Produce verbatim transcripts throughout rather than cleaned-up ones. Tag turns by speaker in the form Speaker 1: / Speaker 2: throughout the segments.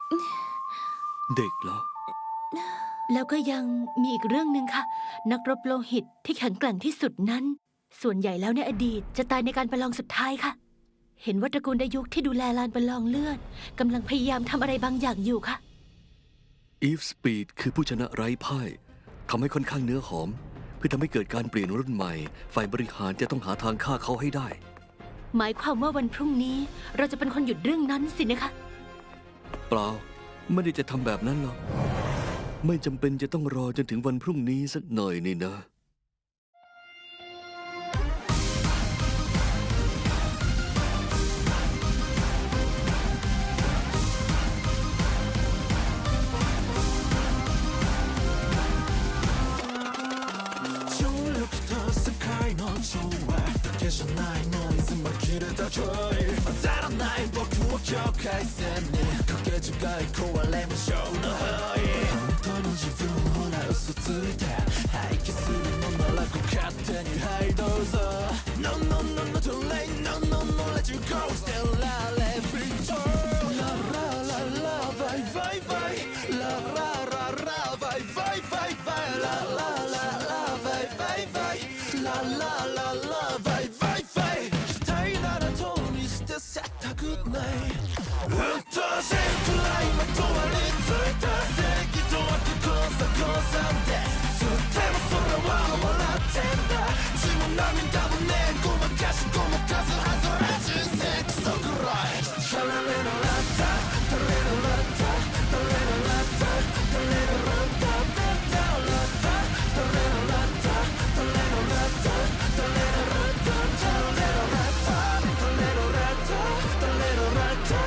Speaker 1: เด็กเหรอ
Speaker 2: แล้วก็ยังมีอีกเรื่องหนึ่งค่ะนักรบโลหิตที่แข็งแกร่งที่สุดนั้นส่วนใหญ่แล้วในอดีตจะตายในการประลองสุดท้ายค่ะเห็นว่าตระกูลดายุคที่ดูแลลานประลองเลือดกำลังพยายามทำอะไรบางอย่างอยู่ค่ะ
Speaker 1: อีฟสปีดคือผู้ชนะไร้พ่ายทำให้ค่อนข้างเนื้อหอมเพื่อทำให้เกิดการเปลี่ยนรุ่นใหม่ฝ่ายบริหารจะต้องหาทางฆ่าเขาให้ได้
Speaker 2: หมายความว่าวันพรุ่งนี้เราจะเป็นคนหยุดเรื่องนั้นสินะคะ
Speaker 1: เปล่าไม่ได้จะทำแบบนั้นหรอกไม่จำเป็นจะต้องรอจนถึงวันพรุ่งนี้สักหน่อยนี่นะ
Speaker 3: 境界線にかけ違い壊れましょうの本当の自分ほら嘘ついて廃棄するのならご勝手にはいどうぞ No no no no too late No no no let you go Still la let me turn La la la la vai vai vai La la la la vai vai vai vai La la la la vai vai vai La la la la vai vai vai 期待ならとにしてせたくないうっとうしいくらいまとわりついた正義と悪交差交差でつっても空は笑ってんだ血も涙もねごまかしごまかすはずら人生クソくらいタレレのラッタタレのラッタタレのラッタタレのラッタタレのラッタタレのラッタタレのラッタタレのラッタタレのラッタタレのラッタタレのラッタ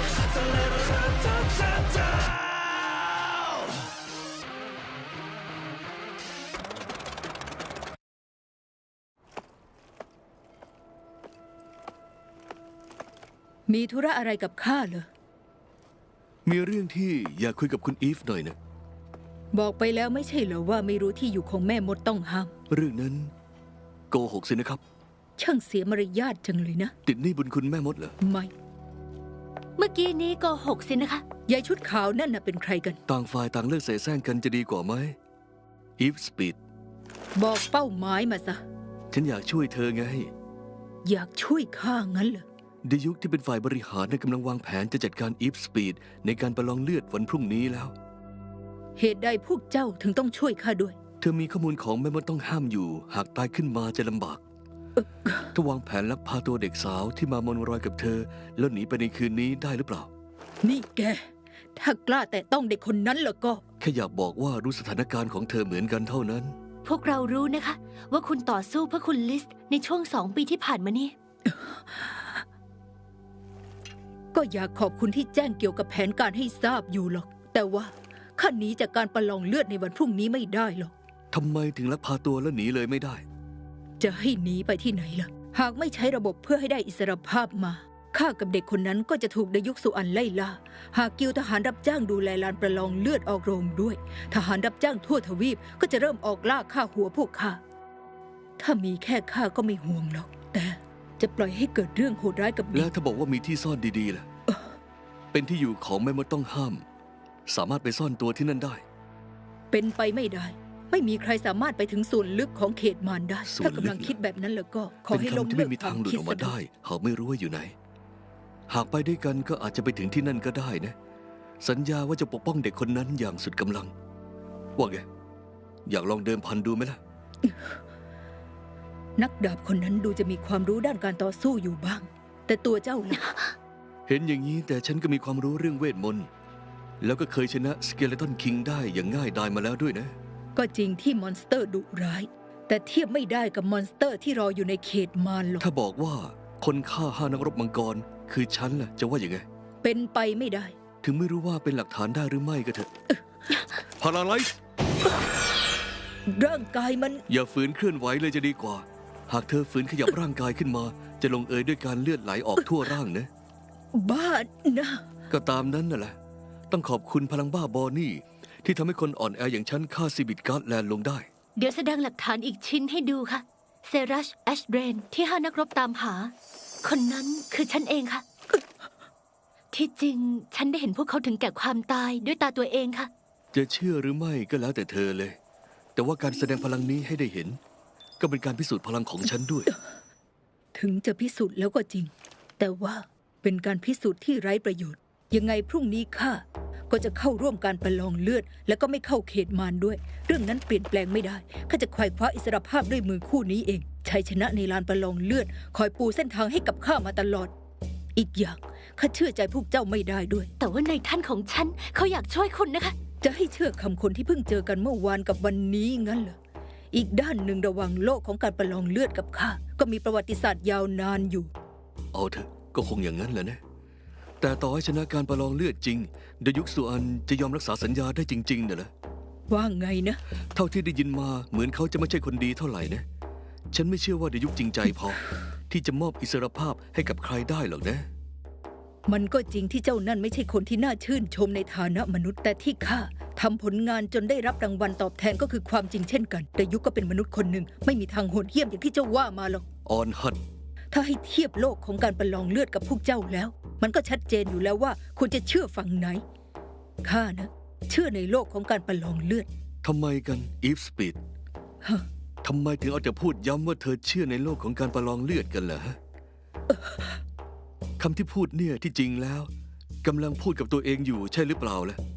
Speaker 4: มีธุระอะไรกับข้าเหรอ
Speaker 1: มีเรื่องที่อยากคุยกับคุณอีฟหน่อยนะ
Speaker 4: บอกไปแล้วไม่ใช่เหรอว่าไม่รู้ที่อยู่ของแม่มดต้องห้าม
Speaker 1: เรื่องนั้นโกหกสินะครับ
Speaker 4: ช่างเสียมารยาทจังเลยนะ
Speaker 1: ติดหนี้บุญคุณแม่มดเหรอ
Speaker 4: ไม่
Speaker 2: เมื่อกี้นี้โกหกสินะคะ
Speaker 4: ยายชุดขาวนั่นน่ะเป็นใครกัน
Speaker 1: ต่างฝ่ายต่างเลิกเสแสร้งกันจะดีกว่าไหมอีฟสปีด
Speaker 4: บอกเป้าหมายมาซะ
Speaker 1: ฉันอยากช่วยเธอไง
Speaker 4: อยากช่วยข้างั้นเหรอ
Speaker 1: ดยุคที่เป็นฝ่ายบริหารกำลังวางแผนจะจัดการอีฟสปีดในการประลองเลือดวันพรุ่งนี้แล้ว
Speaker 4: เหตุใดพวกเจ้าถึงต้องช่วยข้าด้วย
Speaker 1: เธอมีข้อมูลของแม่มดต้องห้ามอยู่หากตายขึ้นมาจะลำบากถ้าวางแผนลักพาตัวเด็กสาวที่มามอนรอยกับเธอแล้วหนีไปในคืนนี้ได้หรือเปล่า
Speaker 4: นี่แกถ้ากล้าแต่ต้องเด็กคนนั้นแล้วก็
Speaker 1: แค่อยากบอกว่ารู้สถานการณ์ของเธอเหมือนกันเท่านั้น
Speaker 2: พวกเรารู้นะคะว่าคุณต่อสู้เพื่อคุณลิสในช่วงสองปีที่ผ่านมานี่
Speaker 4: ก็อยากขอบคุณที่แจ้งเกี่ยวกับแผนการให้ทราบอยู่หรอกแต่ว่าข้าหนีจากการประลองเลือดในวันพรุ่งนี้ไม่ได้หรอก
Speaker 1: ทำไมถึงลักพาตัวแล้วหนีเลยไม่ได้
Speaker 4: จะให้หนีไปที่ไหนล่ะหากไม่ใช้ระบบเพื่อให้ได้อิสรภาพมาข้ากับเด็กคนนั้นก็จะถูกดยุคสุอันไล่ล่าหากกิลทหารรับจ้างดูแลลานประลองเลือดออกโรงด้วยทหารรับจ้างทั่วทวีปก็จะเริ่มออกล่าฆ่าหัวพวกข้าถ้ามีแค่ข้าก็ไม่ห่วงหรอกแต่จะปล่อยให้เกิดเรื่องโหดร้ายกับเด็ก
Speaker 1: แล้วถ้าบอกว่ามีที่ซ่อนดีๆล่ะเป็นที่อยู่ของแม่มดต้องห้ามสามารถไปซ่อนตัวที่นั่นได้
Speaker 4: เป็นไปไม่ได้ไม่มีใครสามารถไปถึงส่วนลึกของเขตมารได้ถ้ากำลังคิดแบบนั้นแล้วก็ขอให้ล้มเลิก
Speaker 1: ความคิดออกมาได้หากไม่รู้ว่าอยู่ไหนหากไปด้วยกันก็อาจจะไปถึงที่นั่นก็ได้นะสัญญาว่าจะปกป้องเด็กคนนั้นอย่างสุดกำลังว่าไงอยากลองเดิมพันดูไหมล่ะ
Speaker 4: นักดาบคนนั้นดูจะมีความรู้ด้านการต่อสู้อยู่บ้างแต่ตัวเจ้าล่ะ
Speaker 1: เห็นอย่างนี้แต่ฉันก็มีความรู้เรื่องเวทมนต์แล้วก็เคยชนะสเกเลตันคิงได้อย่างง่ายดายมาแล้วด้วยนะ
Speaker 4: ก็จริงที่มอนสเตอร์ดุร้ายแต่เทียบไม่ได้กับมอนสเตอร์ที่รออยู่ในเขตมารหรอก
Speaker 1: ถ้าบอกว่าคนฆ่าห้านักรบมังกรคือฉันล่ะจะว่าอย่างไง
Speaker 4: เป็นไปไม่ได้
Speaker 1: ถึงไม่รู้ว่าเป็นหลักฐานได้หรือไม่ก็เถอะพาราไลซ์
Speaker 4: ร่างกายมัน
Speaker 1: อย่าฝืนเคลื่อนไหวเลยจะดีกว่าหากเธอฝืนขยับร่างกายขึ้นมาจะลงเอยด้วยการเลือดไหลออกทั่วร่างนะ
Speaker 4: บ้านะ
Speaker 1: ก็ตามนั้นน่ะแหละต้องขอบคุณพลังบ้าบอนี่ที่ทำให้คนอ่อนแออย่างฉันฆ่าซิบิทการ์ดแลนด์ลงได้
Speaker 2: เดี๋ยวแสดงหลักฐานอีกชิ้นให้ดูค่ะเซรัชแอชเบรนที่ห้านักรบตามหาคนนั้นคือฉันเองค่ะที่จริงฉันได้เห็นพวกเขาถึงแก่ความตายด้วยตาตัวเองค่ะ
Speaker 1: จะเชื่อหรือไม่ก็แล้วแต่เธอเลย แต่ว่าการแสดงพลังนี้ให้ได้เห็น ก็เป็นการพิสูจน์พลังของฉันด้วย
Speaker 4: ถึงจะพิสูจน์แล้วก็จริง แต่ว่าเป็นการพิสูจน์ที่ไร้ประโยชน์ ยังไงพรุ่งนี้ข้าก็จะเข้าร่วมการประลองเลือด และก็ไม่เข้าเขตมารด้วย เรื่องนั้นเปลี่ยนแปลงไม่ได้ข้าจะควายคว้าอิสรภาพด้วยมือคู่นี้เองชัยชนะในลานประลองเลือดคอยปูเส้นทางให้กับข้ามาตลอด อีกอย่างข้าเชื่อใจพวกเจ้าไม่ได้ด้วย
Speaker 2: แต่ว่าในท่านของฉันเขาอยากช่วยคุณนะคะ
Speaker 4: จะให้เชื่อคำคนที่เพิ่งเจอกันเมื่อวานกับวันนี้งั้นเหรอ อีกด้านหนึ่งระหว่างโลกของการประลองเลือดกับข้าก็มีประวัติศาสตร์ยาวนานอยู่
Speaker 1: เอาเถอะก็คงอย่างนั้นแหละนะ แต่ต่อให้ชนะการประลองเลือดจริงเดยุกสุอันจะยอมรักษาสัญญาได้จริงๆเนี่ยเหรอ
Speaker 4: ว่าไงนะ
Speaker 1: เท่าที่ได้ยินมาเหมือนเขาจะไม่ใช่คนดีเท่าไหร่นะ ฉันไม่เชื่อว่าเดยุกจริงใจพอ ที่จะมอบอิสรภาพให้กับใครได้หรอกนะ
Speaker 4: มันก็จริงที่เจ้านั่นไม่ใช่คนที่น่าชื่นชมในฐานะมนุษย์ แต่ที่ข้าทำผลงานจนได้รับรางวัลตอบแทนก็คือความจริงเช่นกันแต่ยุคก็เป็นมนุษย์คนหนึ่งไม่มีทางโหดเหี้ยมอย่างที่เจ้าว่ามาหรอก
Speaker 1: ออนฮัต
Speaker 4: ถ้าให้เทียบโลกของการประลองเลือดกับพวกเจ้าแล้ว มันก็ชัดเจนอยู่แล้วว่าคุณจะเชื่อฝั่งไหนข้านะเชื่อในโลกของการประลองเลือด
Speaker 1: ทำไมกันอีฟสปีด
Speaker 4: ฮะ
Speaker 1: ทำไมถึงเอาแต่พูดย้ำว่าเธอเชื่อในโลกของการประลองเลือดกันเหรอฮะคำที่พูดเนี่ยที่จริงแล้วกำลังพูดกับตัวเองอยู่ใช่หรือเปล่าล่ะ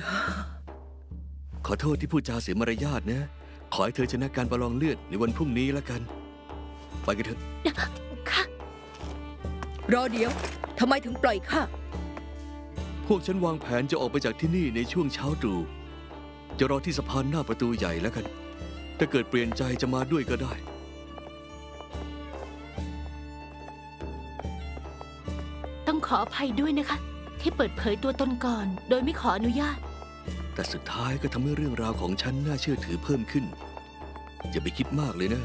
Speaker 1: ขอโทษที่พูดจาเสียมารยาทนะ ขอให้เธอชนะการประลองเลือดในวันพรุ่งนี้แล้วกัน ไปกันเถอะ
Speaker 2: ค่ะ
Speaker 4: รอเดี๋ยวทำไมถึงปล่อยข้า
Speaker 1: พวกฉันวางแผนจะออกไปจากที่นี่ในช่วงเช้าตรู่จะรอที่สะพานหน้าประตูใหญ่แล้วกัน ถ้าเกิดเปลี่ยนใจจะมาด้วยก็ได้
Speaker 2: ต้องขออภัยด้วยนะคะ ที่เปิดเผยตัวตนก่อน โดยไม่ขออนุญาต
Speaker 1: แต่สุดท้ายก็ทำให้เรื่องราวของฉันน่าเชื่อถือเพิ่มขึ้น อย่าไปคิดมากเลยนะ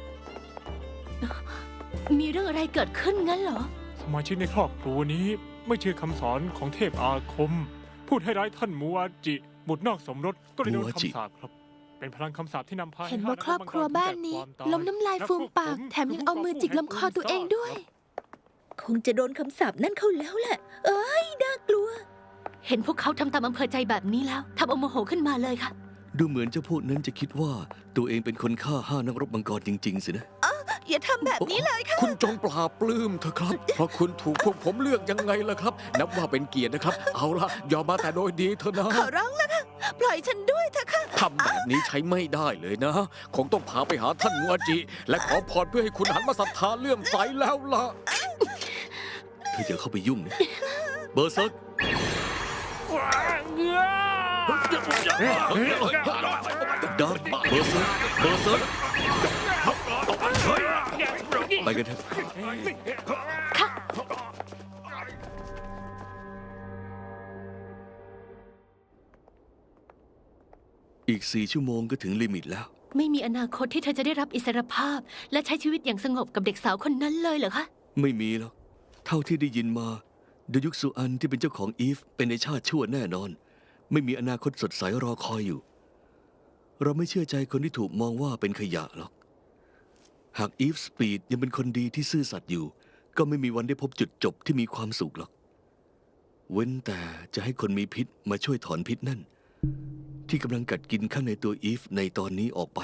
Speaker 2: มีเรื่องอะไรเกิดขึ้นงั้นเหรอ
Speaker 5: สมาชิกในครอบครัวนี้ไม่เชื่อคำสอนของเทพอาคม พูดให้ร้ายท่านมูอาจิ บุตรนอกสมรสก็เลยโดน
Speaker 1: มูอาจิ
Speaker 5: คำสาปครับ เป็นพลังคำสาปที่นำพา
Speaker 6: เห็นว่าครอบครัวบ้านนี้ล้มน้ำลายฟูมปากแถมยังเอามือจิกลำคอตัวเองด้วย
Speaker 4: คงจะโดนคำสาปนั่นเข้าแล้วแหละ เอ้ยน่ากลัว
Speaker 2: เห็นพวกเขาทำตามอำเภอใจแบบนี้แล้วทำเอาโมโหขึ้นมาเลยค่ะ
Speaker 1: ดูเหมือนเจ้าพวกนั้นจะคิดว่าตัวเองเป็นคนฆ่าห้านักรบมังกรจริง ๆ สินะ
Speaker 6: อย่าทำแบบนี้เลยค่ะ
Speaker 7: คุณจงปลาบปลื้มเถอะครับ เพราะคุณถูกพวกผมเลือกยังไงล่ะครับ นับว่าเป็นเกียรตินะครับ เอาละยอมมาแต่โดยดีเถอะนะ
Speaker 6: ขอร้องแล้วค่ะ ปล่อยฉันด้วยเถอะค่ะ
Speaker 7: ทำแบบนี้ใช้ไม่ได้เลยนะ คงต้องพาไปหาท่านมัวจิ และขอพรเพื่อให้คุณหันมาศรัทธาเลื่อมใสแล้วล่ะ
Speaker 1: เธออย่าเข้าไปยุ่งนะ เบอร์เซิร์ก
Speaker 5: เงื้อ
Speaker 1: ดาร์เบอร์เซิร์กเบอร์เซิร์กไปกันเถอะ อีกสี่ชั่วโมงก็ถึงลิมิตแล้ว
Speaker 2: ไม่มีอนาคตที่เธอจะได้รับอิสรภาพ และใช้ชีวิตอย่างสงบกับเด็กสาวคนนั้นเลยเหรอคะ
Speaker 1: ไม่มีหรอก เท่าที่ได้ยินมาเดยุกสุอันที่เป็นเจ้าของอีฟเป็นในชาติชั่วแน่นอน ไม่มีอนาคตสดใสรอคอยอยู่ เราไม่เชื่อใจคนที่ถูกมองว่าเป็นขยะหรอก หากอีฟสปีดยังเป็นคนดีที่ซื่อสัตย์อยู่ ก็ไม่มีวันได้พบจุดจบที่มีความสุขหรอก เว้นแต่จะให้คนมีพิษมาช่วยถอนพิษนั่น ที่กำลังกัดกินข้างในตัวอีฟในตอนนี้ออกไป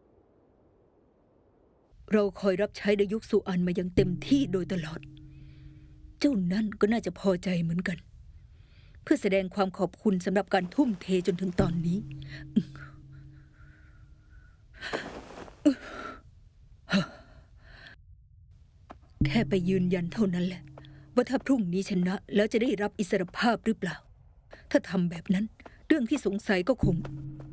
Speaker 4: เราคอยรับใช้ดยุคสุอันมาอย่างเต็มที่โดยตลอด เจ้านั่นก็น่าจะพอใจเหมือนกัน เพื่อแสดงความขอบคุณสำหรับการทุ่มเทจนถึงตอนนี้ แค่ไปยืนยันเท่านั้นแหละ ว่าถ้าพรุ่งนี้ชนะแล้วจะได้รับอิสรภาพหรือเปล่า ถ้าทำแบบนั้นเรื่องที่สงสัยก็คง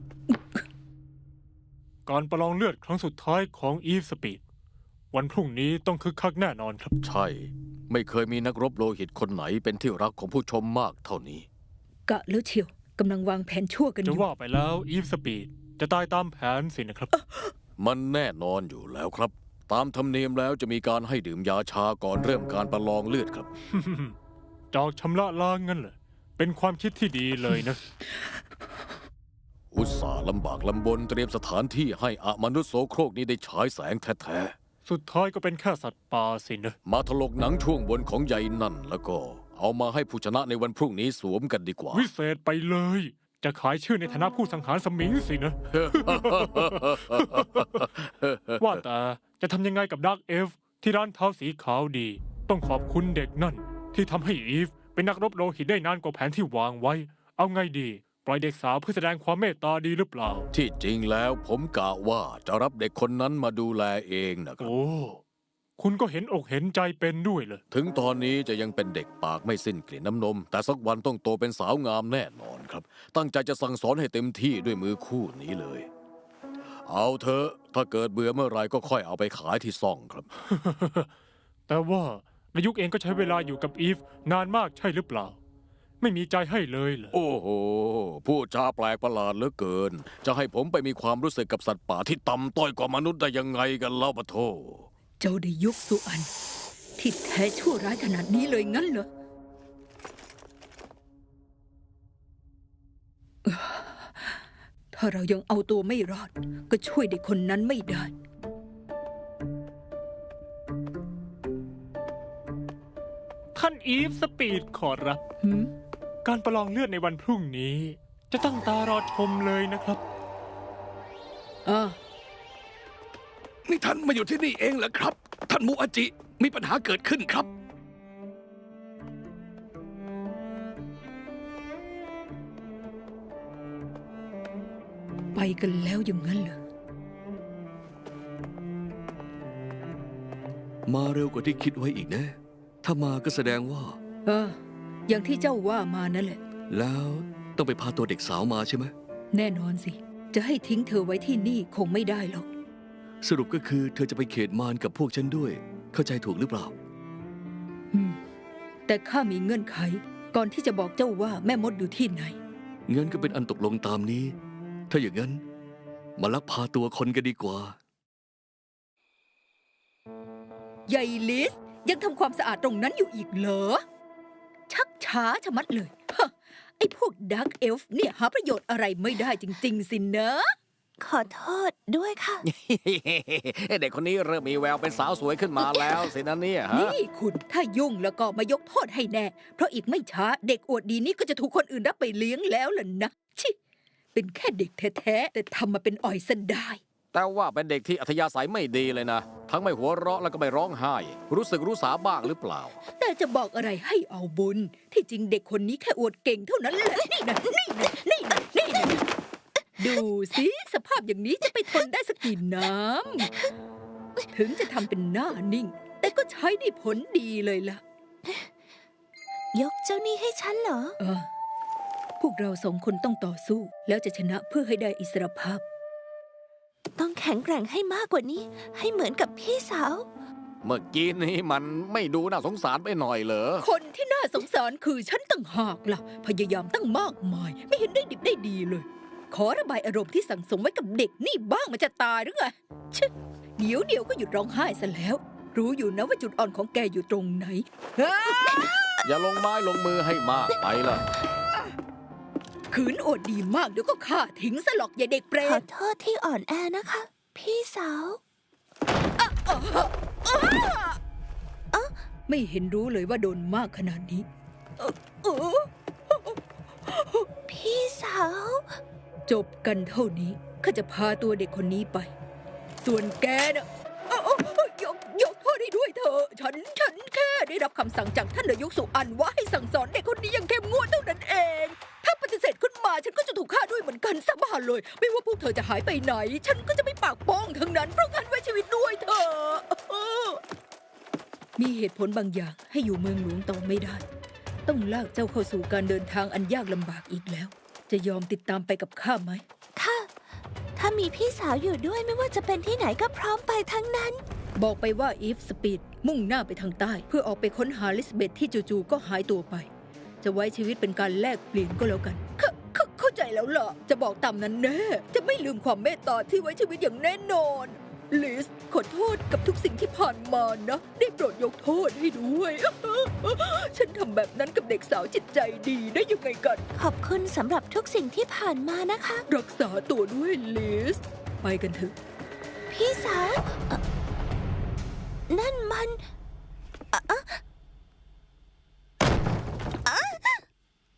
Speaker 5: การประลองเลือดครั้งสุดท้ายของอีฟสปีด วันพรุ่งนี้ต้องคึกคักแน่นอนครับ
Speaker 7: ใช่ ไม่เคยมีนักรบโลหิตคนไหนเป็นที่รักของผู้ชมมากเท่านี้
Speaker 4: กะแล้วเชียวกำลังวางแผนชั่วกันอ
Speaker 5: จะ
Speaker 4: ยู่
Speaker 5: ว่าไปแล้วอีฟสปีดจะตายตามแผนสินะครับ
Speaker 7: มันแน่นอนอยู่แล้วครับ ตามธรรมเนียมแล้วจะมีการให้ดื่มยาชาก่อนเริ่มการประลองเลือดครับ
Speaker 5: จอกชำระล้างงั้นเหรอเป็นความคิดที่ดีเลยนะ
Speaker 7: อุตส่าห์ลำบากลำบนเตรียมสถานที่ให้อมนุษย์โสโครกนี้ได้ฉายแสงแท้
Speaker 5: สุดท้ายก็เป็นแค่สัตว์ป่าสินะ
Speaker 7: ๆ มาถลกหนังช่วงบนของใยนั่นแล้วก็เอามาให้ผู้ชนะในวันพรุ่งนี้สวมกันดีกว่า
Speaker 5: วิเศษไปเลย จะขายชื่อในฐานะผู้สังหารสมิงสินะ ว่าแต่จะทำยังไงกับดาร์กเอฟที่ร้านเท้าสีขาวดี ต้องขอบคุณเด็กนั่นที่ทำให้อีฟเป็นนักรบโลหิตได้นานกว่าแผนที่วางไว้ เอาไงดีปล่อยเด็กสาวเพื่อแสดงความเมตตาดีหรือเปล่า
Speaker 7: ที่จริงแล้วผมกะว่าจะรับเด็กคนนั้นมาดูแลเองนะครับ
Speaker 5: โอ้คุณก็เห็นอกเห็นใจเป็นด้วยเลย
Speaker 7: ถึงตอนนี้จะยังเป็นเด็กปากไม่สิ้นกลิ่นน้ำนม แต่สักวันต้องโตเป็นสาวงามแน่นอนครับ ตั้งใจจะสั่งสอนให้เต็มที่ด้วยมือคู่นี้เลย เอาเถอะถ้าเกิดเบื่อเมื่อไรก็ค่อยเอาไปขายที่ซ่องครับ
Speaker 5: แต่ว่านายุกเองก็ใช้เวลาอยู่กับอีฟนานมากใช่หรือเปล่า ไม่มีใจให้เลยเหรอ
Speaker 7: โอ้โหพูดจาแปลกประหลาดเหลือเกิน จะให้ผมไปมีความรู้สึกกับสัตว์ป่าที่ต่ำต้อยกว่ามนุษย์ได้ยังไงกันเล่าปะโถ
Speaker 4: เจ้าได้ยุคสุอันที่แท้ชั่วร้ายขนาดนี้เลยงั้นเหรอเอ่อถ้าเรายังเอาตัวไม่รอด ก็ช่วยเด็กคนนั้นไม่ได้
Speaker 5: ท่านอีฟสปีดขอรับ
Speaker 4: หืม
Speaker 5: การประลองเลือดในวันพรุ่งนี้ จะตั้งตารอชมเลยนะครับ
Speaker 4: อ่า
Speaker 1: นี่ท่านมาอยู่ที่นี่เองเหรอครับ ท่านมูอาจิมีปัญหาเกิดขึ้นครับ
Speaker 4: ไปกันแล้วอย่างนั้นเหรอ
Speaker 1: มาเร็วกว่าที่คิดไว้อีกนะ ถ้ามาก็แสดงว่า
Speaker 4: เออ อย่างที่เจ้าว่ามานั่นแหละ
Speaker 1: แล้วต้องไปพาตัวเด็กสาวมาใช่ไหม
Speaker 4: แน่นอนสิ จะให้ทิ้งเธอไว้ที่นี่คงไม่ได้หรอก
Speaker 1: สรุปก็คือเธอจะไปเขตมารกับพวกฉันด้วย เข้าใจถูกหรือเปล่า
Speaker 4: อืม แต่ข้ามีเงื่อนไข ก่อนที่จะบอกเจ้าว่าแม่มดอยู่ที่ไหน
Speaker 1: งั้นก็เป็นอันตกลงตามนี้ ถ้าอย่างนั้น มาลักพาตัวคนกันดีกว่า
Speaker 4: ใหญ่ลิสยังทำความสะอาดตรงนั้นอยู่อีกเหรอ ชักช้าชะมัดเลยฮะไอ้พวกดักเอลฟ์เนี่ยหาประโยชน์อะไรไม่ได้จริงๆสินะ
Speaker 6: ขอโทษด้วยค่ะ
Speaker 7: เด็กคนนี้เริ่มมีแววเป็นสาวสวยขึ้นมาแล้วสินะเนี่ยฮะ
Speaker 4: นี่คุณถ้ายุ่งแล้วก็มายกโทษให้แน่ เพราะอีกไม่ช้าเด็กอวดดีนี่ก็จะถูกคนอื่นรับไปเลี้ยงแล้วล่ะนะชิเป็นแค่เด็กแท้ๆแต่ทำมาเป็นอ่อยซะได้
Speaker 7: แต่ว่าเป็นเด็กที่อัธยาศัยไม่ดีเลยนะ ทั้งไม่หัวเราะแล้วก็ไม่ร้องไห้ รู้สึกรู้สาบ้างหรือเปล่า
Speaker 4: แต่จะบอกอะไรให้เอาบุญ ที่จริงเด็กคนนี้แค่อวดเก่งเท่านั้นแหละนี่นะนี่นะนี่นะนี่นะดูสิสภาพอย่างนี้จะไปทนได้สักกี่น้ำถึงจะทำเป็นหน้านิ่ง แต่ก็ใช้ได้ผลดีเลยล่ะ
Speaker 6: ยกเจ้านี่ให้ฉันเหรอ
Speaker 4: เออพวกเราสองคนต้องต่อสู้ แล้วจะชนะเพื่อให้ได้อิสรภาพ
Speaker 6: ต้องแข็งแกร่งให้มากกว่านี้ ให้เหมือนกับพี่สาว
Speaker 7: เมื่อกี้นี้มันไม่ดูน่าสงสารไปหน่อยเหรอ
Speaker 4: คนที่น่าสงสารคือฉันต่างหากล่ะ พยายามตั้งมากมาย ไม่เห็นได้ดิบได้ดีเลย ขอระบายอารมณ์ที่สั่งสมไว้กับเด็กนี่บ้างมันจะตายหรือไงชะเดี๋ยวเดี๋ยวก็หยุดร้องไห้ซะแล้ว รู้อยู่นะว่าจุดอ่อนของแกอยู่ตรงไหน
Speaker 7: อย่าลงไม้ลงมือให้มากไปล่ะ
Speaker 4: ขืนอดดีมากเดี๋ยวก็ฆ่าทิ้งซะหรอกอย่าเด็กเปร
Speaker 6: ขอ
Speaker 4: ต
Speaker 6: โทษที่อ่อนแอนะคะ พี่สาว
Speaker 4: ไม่เห็นรู้เลยว่าโดนมากขนาดนี้เอ่อเออ
Speaker 6: พี่สาว
Speaker 4: จบกันเท่านี้ข้าจะพาตัวเด็กคนนี้ไป ส่วนแกน่ะเอ้าเอ้าเอ้ายกยกโทษให้ด้วยเถอะฉันฉันแค่ได้รับคำสั่งจากท่านนายกสุอันว่าให้สั่งสอนเด็กคนนี้อย่างเข้มงวดเท่านั้นเอง ถ้าปฏิเสธขึ้นมาฉันก็จะถูกฆ่าด้วยเหมือนกันสาบานเลย ไม่ว่าพวกเธอจะหายไปไหน ฉันก็จะไม่ปากป้องทั้งนั้นเพราะงั้นไว้ชีวิตด้วยเถอะมีเหตุผลบางอย่างให้อยู่เมืองหลวงต่อไม่ได้ ต้องลากเจ้าเข้าสู่การเดินทางอันยากลำบากอีกแล้ว จะยอมติดตามไปกับข้าไหม
Speaker 6: ค่ะ ถ้ามีพี่สาวอยู่ด้วยไม่ว่าจะเป็นที่ไหนก็พร้อมไปทั้งนั้น
Speaker 4: บอกไปว่าอีฟสปีดมุ่งหน้าไปทางใต้ เพื่อออกไปค้นหาลิสเบธที่จู่ๆก็หายตัวไป จะไว้ชีวิตเป็นการแลกเปลี่ยนก็แล้วกันเข้าเข้าเข้าใจแล้วล่ะ จะบอกตามนั้นแน่ จะไม่ลืมความเมตตาที่ไว้ชีวิตอย่างแน่นอน ลิสขอโทษกับทุกสิ่งที่ผ่านมานะ ได้โปรดยกโทษให้ด้วย ฉันทำแบบนั้นกับเด็กสาวจิตใจดีได้ยังไงกัน
Speaker 6: ขอบคุณสำหรับทุกสิ่งที่ผ่านมานะคะ
Speaker 4: รักษาตัวด้วยลิสไปกันเถอะ
Speaker 6: พี่สาวเอ่อนั่นมันเอ่อเอ่อ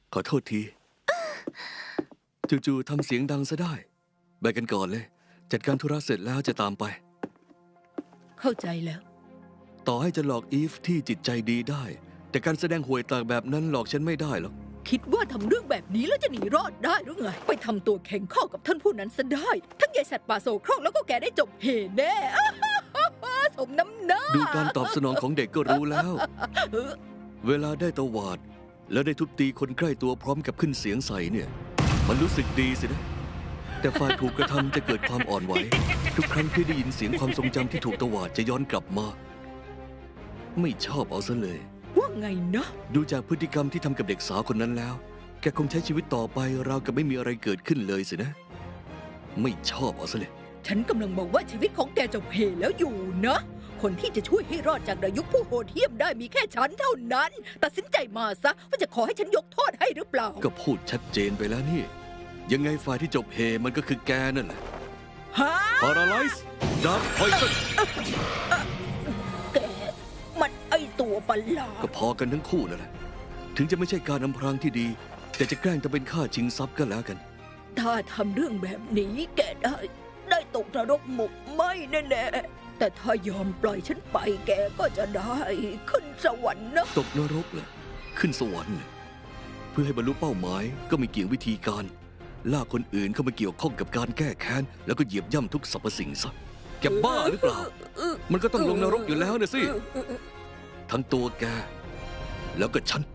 Speaker 1: ขอโทษที จู่ๆทำเสียงดังซะได้ไปกันก่อนเลย จัดการธุระเสร็จแล้วจะตามไป
Speaker 4: เข้าใจแล้ว
Speaker 1: ต่อให้จะหลอกอีฟที่จิตใจดีได้ แต่การแสดงห่วยตาแบบนั้นหลอกฉันไม่ได้หรอก
Speaker 4: คิดว่าทำเรื่องแบบนี้แล้วจะหนีรอดได้หรือไง ไปทำตัวแข็งข้อกับท่านผู้นั้นซะได้ ทั้งยายสัตว์ป่าโศกโครกแล้วก็แกได้จบเหแน่ สมน้ำหน้า
Speaker 1: ดูการตอบสนองของเด็กก็รู้แล้ว เวลาได้ตวาด แล้วได้ทุบตีคนใกล้ตัวพร้อมกับขึ้นเสียงใส่เนี่ย มันรู้สึกดีสินะ แต่ฝ่ายถูกกระทำจะเกิดความอ่อนไหว ทุกครั้งที่ได้ยินเสียงความทรงจำที่ถูกตวาดจะย้อนกลับมา ไม่ชอบเอาซะเลย
Speaker 4: ว่าไงนะ
Speaker 1: ดูจากพฤติกรรมที่ทำกับเด็กสาวคนนั้นแล้ว แกคงใช้ชีวิตต่อไปราวกับไม่มีอะไรเกิดขึ้นเลยสินะ ไม่ชอบเอาซะเลย
Speaker 4: ฉันกำลังบอกว่าชีวิตของแกจบเหแล้วอยู่นะ คนที่จะช่วยให้รอดจากดายุคผู้โหดเหี้ยมได้มีแค่ฉันเท่านั้น ตัดสินใจมาซะว่าจะขอให้ฉันยกโทษให้หรือเปล่า
Speaker 1: ก็พูดชัดเจนไปแล้วนี่ ยังไงฝ่ายที่จบเฮมันก็คือแกนั่นแหละ
Speaker 4: ฮะ
Speaker 1: Paralyze Dark Poison
Speaker 4: แกมันไอตัวประหลา
Speaker 1: ก็
Speaker 4: ด
Speaker 1: พอกันทั้งคู่นั่นแหละ ถึงจะไม่ใช่การอำพรางที่ดี แต่จะแกล้งทำเป็นฆ่าชิงทรัพย์ก็แล้วกัน
Speaker 4: ถ้าทำเรื่องแบบนี้แกได้ ได้ตกนรกหมกไหมแน่ๆแต่ถ้ายอมปล่อยฉันไปแกก็จะได้ขึ้นสวรรค์นะ
Speaker 1: ตกนรกเลยขึ้นสวรรค์เลยเพื่อให้บรรลุเป้าหมายก็มีเกี่ยววิธีการลากคนอื่นเข้ามาเกี่ยวข้องกับการแก้แค้นแล้วก็เหยียบย่ำทุกสรรพสิ่งซะแกบ้าหรือเปล่า มันก็ต้องลงนรกอยู่แล้วนะสิ ทั้งตัวแก แล้วก็ฉัน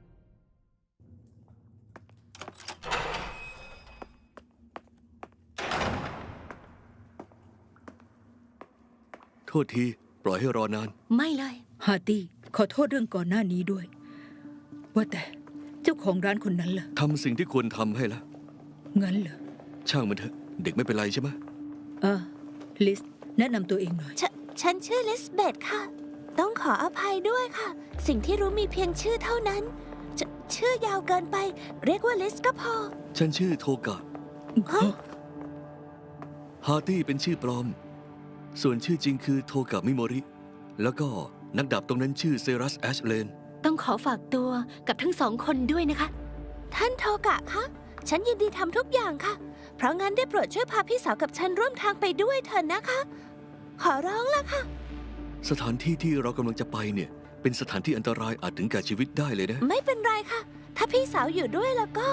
Speaker 1: โทษทีปล่อยให้รอนาน
Speaker 2: ไม่เลย
Speaker 4: ฮาร์ตี้ขอโทษเรื่องก่อนหน้านี้ด้วย ว่าแต่เจ้าของร้านคนนั้นล่ะ
Speaker 1: ทำสิ่งที่ควรทำให้ละ
Speaker 4: งั้นเหรอ
Speaker 1: ช่างมันเถอะ เด็กไม่เป็นไรใช่ไหม
Speaker 4: อ่าลิสแนะนำตัวเองหน่อย
Speaker 6: ฉฉันชื่อลิสเบธค่ะ ต้องขออภัยด้วยค่ะ สิ่งที่รู้มีเพียงชื่อเท่านั้นชชื่อยาวเกินไป เรียกว่าลิสก็พอ
Speaker 1: ฉันชื่อโทกะ
Speaker 6: ฮะ
Speaker 1: ฮาร์ตี้เป็นชื่อปลอม ส่วนชื่อจริงคือโทกะมิโมริ แล้วก็นักดาบตรงนั้นชื่อเซรัสแอชเลน
Speaker 2: ต้องขอฝากตัวกับทั้งสองคนด้วยนะคะ
Speaker 6: ท่านโทกะคะ ฉันยินดีทำทุกอย่างค่ะ เพราะงั้นได้โปรดช่วยพาพี่สาวกับฉันร่วมทางไปด้วยเถอะนะคะ ขอร้องละค่ะ
Speaker 1: สถานที่ที่เรากำลังจะไปเนี่ย เป็นสถานที่อันตรายอาจถึงแก่ชีวิตได้เลยนะ
Speaker 6: ไม่เป็นไรค่ะ ถ้าพี่สาวอยู่ด้วยแล้วก็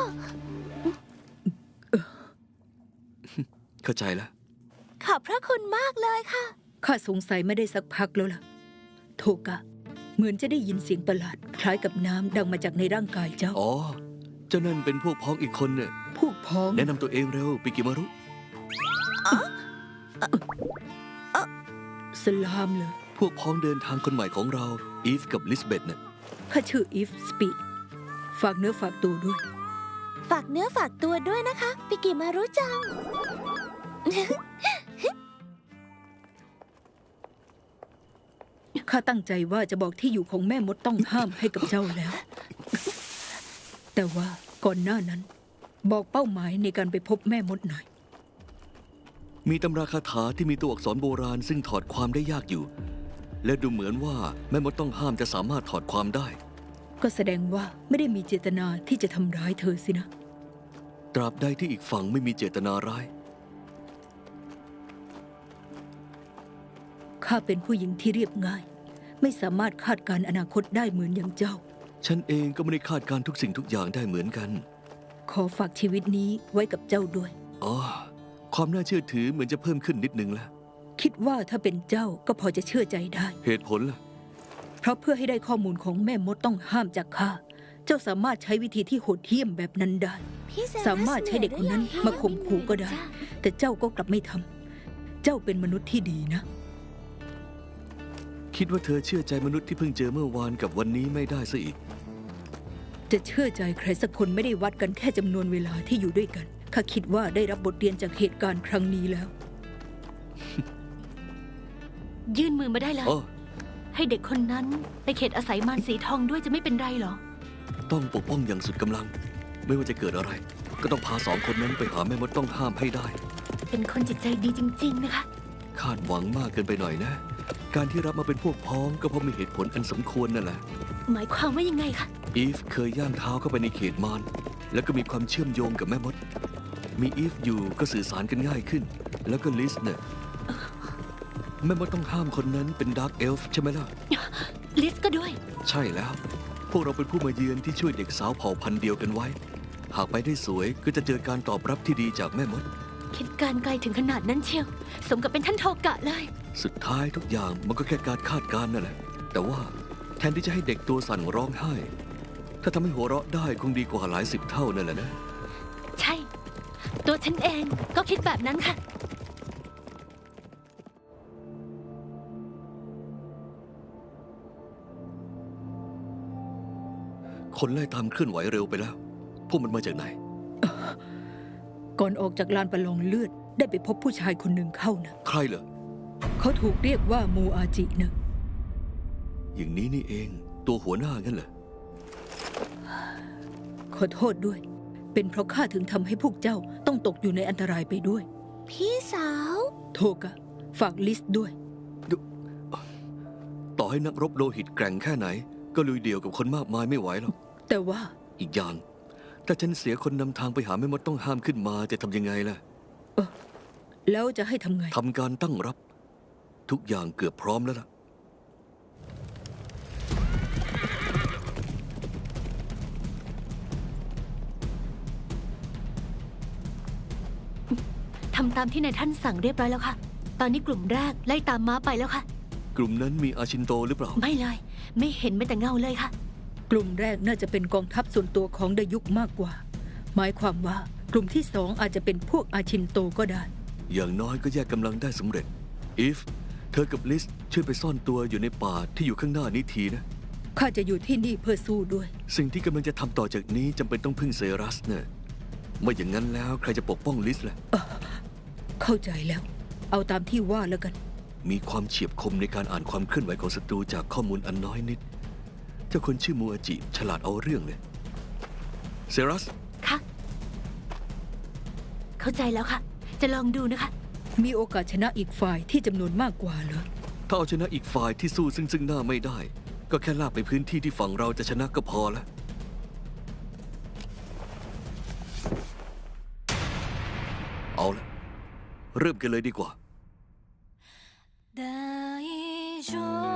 Speaker 1: เข้าใจแล้ว
Speaker 6: ขอบพระคุณมากเลยค่ะ
Speaker 4: ข้าสงสัยไม่ได้สักพักแล้วล่ะ โทกะ เหมือนจะได้ยินเสียงประหลาด คล้ายกับน้ำดังมาจากในร่างกายเจ้า
Speaker 1: อ๋อ เจ้านั่นเป็นพวกพ้องอีกคนเนี่ย
Speaker 4: พวกพ้อง
Speaker 1: แนะนำตัวเองเร็วปิกิมารุ
Speaker 4: สลามเลย
Speaker 1: พวกพ้องเดินทางคนใหม่ของเรา อีฟกับลิสเบธเนี่ย
Speaker 4: ข้าชื่ออีฟสปีด ฝากเนื้อฝากตัวด้วย
Speaker 6: ฝากเนื้อฝากตัวด้วยนะคะปิกิมารู้จัง
Speaker 4: ข้าตั้งใจว่าจะบอกที่อยู่ของแม่มดต้องห้ามให้กับเจ้าแล้ว แต่ว่าก่อนหน้านั้น บอกเป้าหมายในการไปพบแม่มดหน่อย
Speaker 1: มีตำราคาถาที่มีตัวอักษรโบราณซึ่งถอดความได้ยากอยู่ และดูเหมือนว่าแม่มดต้องห้ามจะสามารถถอดความได้
Speaker 4: ก็แสดงว่าไม่ได้มีเจตนาที่จะทำร้ายเธอสินะ
Speaker 1: ตราบใดที่อีกฝั่งไม่มีเจตนาร้าย
Speaker 4: ข้าเป็นผู้หญิงที่เรียบง่าย ไม่สามารถคาดการณ์อนาคตได้เหมือนอย่างเจ้า
Speaker 1: ฉันเองก็ไม่ได้คาดการณ์ทุกสิ่งทุกอย่างได้เหมือนกัน
Speaker 4: ขอฝากชีวิตนี้ไว้กับเจ้าด้วย
Speaker 1: อ๋อ ความน่าเชื่อถือเหมือนจะเพิ่มขึ้นนิดนึงแล้ว
Speaker 4: คิดว่าถ้าเป็นเจ้าก็พอจะเชื่อใจได้
Speaker 1: เหตุผลล่ะ
Speaker 4: เพราะเพื่อให้ได้ข้อมูลของแม่มดต้องห้ามจากข้า เจ้าสามารถใช้วิธีที่โหดเหี้ยมแบบนั้นได้
Speaker 6: พี่เซรัส
Speaker 4: สามารถใช้เด็กคนนั้นมาข่มขู่ก็ได้ แต่เจ้าก็กลับไม่ทำ เจ้าเป็นมนุษย์ที่ดีนะ
Speaker 1: คิดว่าเธอเชื่อใจมนุษย์ที่เพิ่งเจอเมื่อวานกับวันนี้ไม่ได้ซะอีก
Speaker 4: จะเชื่อใจใครสักคนไม่ได้วัดกันแค่จำนวนเวลาที่อยู่ด้วยกัน ข้าคิดว่าได้รับบทเรียนจากเหตุการณ์ครั้งนี้แล้ว
Speaker 2: ยื่นมือมาได้เลย
Speaker 1: อ๋อ
Speaker 2: ให้เด็กคนนั้นไปเขตอาศัยมารสีทองด้วยจะไม่เป็นไรเหรอ
Speaker 1: ต้องปกป้องอย่างสุดกำลัง ไม่ว่าจะเกิดอะไร ก็ต้องพาสองคนนั้นไปหาแม่มดต้องห้ามให้ได้
Speaker 2: เป็นคนจิตใจดีจริง ๆ นะคะ
Speaker 1: คาดหวังมากเกินไปหน่อยนะ การที่รับมาเป็นพวกพ้องก็เพราะมีเหตุผลอันสมควรนั่นแหละ
Speaker 2: หมายความว่ายังไงคะ
Speaker 1: อีฟเคยย่างเท้าเข้าไปในเขตมารแล้วก็มีความเชื่อมโยงกับแม่มด มีอีฟอยู่ก็สื่อสารกันง่ายขึ้น แล้วก็ลิสเนี่ยแม่มดต้องห้ามคนนั้นเป็นดาร์กเอลฟ์ใช่ไหมล่ะ
Speaker 2: ลิสก็ด้วย
Speaker 1: ใช่แล้ว พวกเราเป็นผู้มาเยือนที่ช่วยเด็กสาวเผ่าพันธุ์เดียวกันไว้ หากไปได้สวยก็จะเจอการตอบรับที่ดีจากแม่มด
Speaker 2: คิดการไกลถึงขนาดนั้นเชียว สมกับเป็นท่านโทกะเลย
Speaker 1: สุดท้ายทุกอย่างมันก็แค่การคาดการณ์นั่นแหละ แต่ว่าแทนที่จะให้เด็กตัวสั่นร้องไห้ ถ้าทำให้หัวเราะได้คงดีกว่าหลายสิบเท่านั่นแหละนะ
Speaker 2: ใช่ ตัวฉันเองก็คิดแบบนั้นค่ะ
Speaker 1: คนไล่ตามเคลื่อนไหวเร็วไปแล้ว พวกมันมาจากไหน
Speaker 4: ก่อนออกจากลานประลองเลือดได้ไปพบผู้ชายคนหนึ่งเข้านะ
Speaker 1: ใครเหรอ
Speaker 4: เขาถูกเรียกว่ามูอาจินะ
Speaker 1: อย่างนี้นี่เอง ตัวหัวหน้างั้นเหรอ
Speaker 4: ขอโทษด้วย เป็นเพราะข้าถึงทำให้พวกเจ้าต้องตกอยู่ในอันตรายไปด้วย
Speaker 6: พี่สาว
Speaker 4: โทกะ ฝากลิสต์ด้วย
Speaker 1: ต่อให้นักรบโลหิตแกร่งแค่ไหน ก็ลุยเดี่ยวกับคนมากมายไม่ไหวหรอก
Speaker 4: แต่ว่า
Speaker 1: อีกอย่าง ถ้าฉันเสียคนนำทางไปหาแม่มดต้องห้ามขึ้นมาจะทำยังไงล่ะ
Speaker 4: แล้วจะให้ทำไง
Speaker 1: ทำการตั้งรับ ทุกอย่างเกือบพร้อมแล้วล่ะ
Speaker 2: ทำตามที่นายท่านสั่งเรียบร้อยแล้วค่ะ ตอนนี้กลุ่มแรกไล่ตามม้าไปแล้วค่ะ
Speaker 1: กลุ่มนั้นมีอาชินโตหรือเปล่า
Speaker 2: ไม่เลย ไม่เห็นแม้แต่เงาเลยค่ะ
Speaker 4: กลุ่มแรกน่าจะเป็นกองทัพส่วนตัวของดยุกมากกว่า หมายความว่ากลุ่มที่สองอาจจะเป็นพวกอาชินโตก็ได้
Speaker 1: อย่างน้อยก็แยกกำลังได้สำเร็จ อีฟ เธอกับลิสช่วยไปซ่อนตัวอยู่ในป่าที่อยู่ข้างหน้านี้ทีนะ
Speaker 4: ข้าจะอยู่ที่นี่เพื่อสู้ด้วย
Speaker 1: สิ่งที่กำลังจะทำต่อจากนี้จำเป็นต้องพึ่งเซรัสเนะไม่อย่างนั้นแล้วใครจะปกป้องลิสล่ะ
Speaker 4: เข้าใจแล้ว เอาตามที่ว่าแล้วกัน
Speaker 1: มีความเฉียบคมในการอ่านความเคลื่อนไหวของศัตรูจากข้อมูลอันน้อยนิด เจ้าคนชื่อมูอาจิฉลาดเอาเรื่องเลยเซรัส
Speaker 2: ค่ะ เข้าใจแล้วค่ะ จะลองดูนะคะ
Speaker 4: มีโอกาสชนะอีกฝ่ายที่จำนวนมากกว่าเหรอ
Speaker 1: ถ้าเอาชนะอีกฝ่ายที่สู้ซึ่งซึ่งหน้าไม่ได้ ก็แค่ลากไปพื้นที่ที่ฝั่งเราจะชนะก็พอแล้ว เอาละเริ่มกันเลยดีกว่า
Speaker 8: 大丈夫